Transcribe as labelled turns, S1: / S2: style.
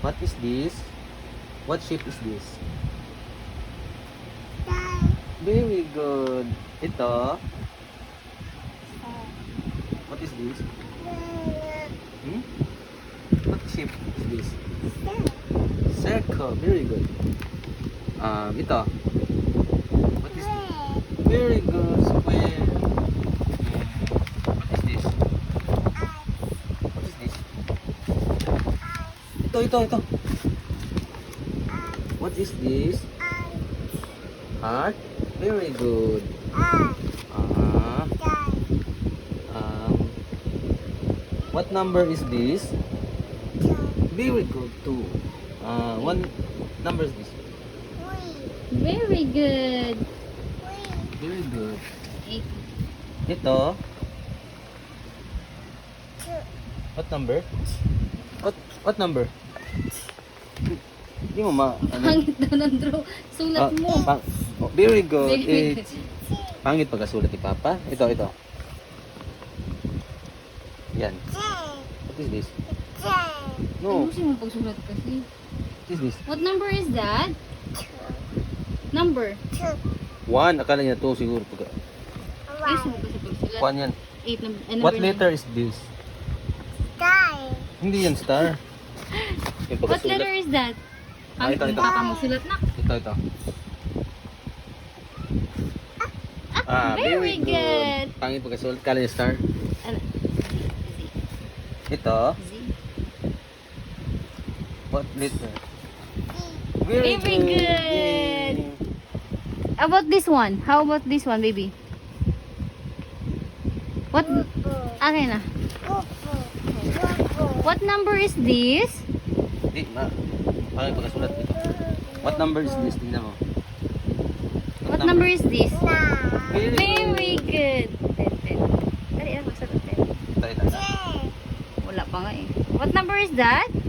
S1: What is this? What shape is this? Very good. Ito. What is this? Hmm? What shape is this? Circle. Very good. Ito. What is this? Very good. Square. What is this? What is this? Ito. What is this? Heart. Very good. What number is this? Very good. 2. One number is this?
S2: Very good.
S1: Very good.
S2: 8.
S1: Ito. What number? What number? Hindi mo
S2: Pangit daw ng draw. Sulat mo.
S1: Very good.
S2: Very
S1: 8. Pangit pagkasulat ni Papa. Ito. Yan. What is this? No.
S2: Ayusin mo pagsulat kasi.
S1: What is this?
S2: What number is that? Number.
S1: 1. Akala niya 2 siguro.
S2: Ayusin mo kasi pagsulat.
S1: 1 yan.
S2: 8 number.
S1: What letter is this? Hindi yan star. Yung
S2: What
S1: pagkasulat.
S2: letter is that? Pangit
S1: ito.
S2: yung papa mo sulat na.
S1: Ito.
S2: Very good.
S1: Pangit pagkasulat. Akala niya star.
S2: Ano?
S1: Ito.
S2: Z.
S1: What letter?
S2: Very good. About this one? How about this one, baby? What? Akin na. What number is this?
S1: Hindi, pangit pagkasulat dito. What number is this? Tingnan mo.
S2: What number is this?
S1: Very
S2: Very good. 10. Dali, basta 10.
S1: Ito.
S2: Wala pa nga eh. What number is that?